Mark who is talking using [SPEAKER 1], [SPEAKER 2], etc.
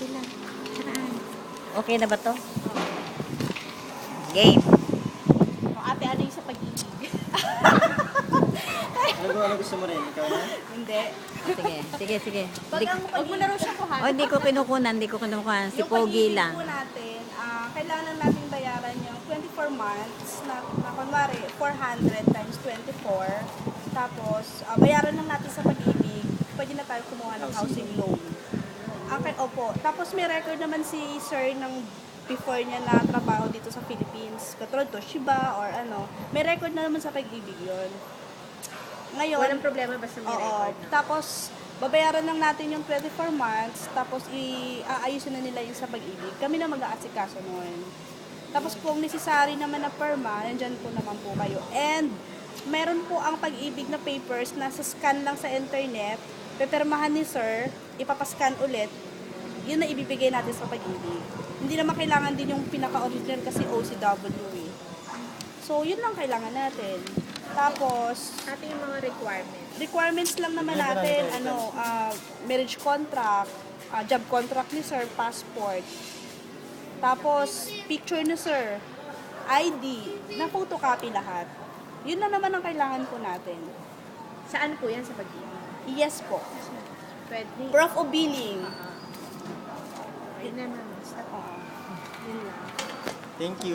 [SPEAKER 1] sila. Saan? Okay na ba to? Game.
[SPEAKER 2] O, ate, ano yung sa pag-ibig?
[SPEAKER 3] Ano gusto mo rin? Ikaw na?
[SPEAKER 2] Hindi.
[SPEAKER 1] Sige.
[SPEAKER 2] Huwag mo na raw siya kuhanin.
[SPEAKER 1] Oh, hindi ko kinukunan. Si
[SPEAKER 2] Yung
[SPEAKER 1] Pogi
[SPEAKER 2] pag-ibig
[SPEAKER 1] lang.
[SPEAKER 2] po natin, kailangan natin bayaran yung 24 months na kunwari 400 times 24. Tapos, bayaran lang natin sa pag-ibig. Pwede na tayo kumuha ng housing loan. Opo. Tapos may record naman si sir ng before niya na trabaho dito sa Philippines. Katulad Toshiba or ano. May record na naman sa pag-ibig yun. Ngayon,
[SPEAKER 4] Walang problema basta may record. No?
[SPEAKER 2] Tapos, babayaran lang natin yung 24 months, tapos aayusin na nila yung sa pag-ibig. Kami na mag-aasikaso nun. Tapos kung necessary naman na perma, nandyan po naman po kayo. And, meron po ang pag-ibig na papers na sa scan lang sa internet, pepermahan ni sir, ipapascan ulit, yun na ibibigay natin sa pag-ibig. Hindi naman kailangan din yung pinaka-original kasi OCW eh. So, yun lang kailangan natin. Tapos,
[SPEAKER 4] Ate yung mga
[SPEAKER 2] requirements lang naman natin, marriage contract, job contract ni sir, passport. Tapos, picture ni sir, ID, na photocopy lahat. Yun lang naman ang kailangan po natin.
[SPEAKER 4] Saan po yan sa pag-ibig?
[SPEAKER 2] Yes po.
[SPEAKER 4] Pwede.
[SPEAKER 2] Proof of billing.
[SPEAKER 4] Yun na naman.
[SPEAKER 2] Oo. Yun lang.
[SPEAKER 3] Thank you.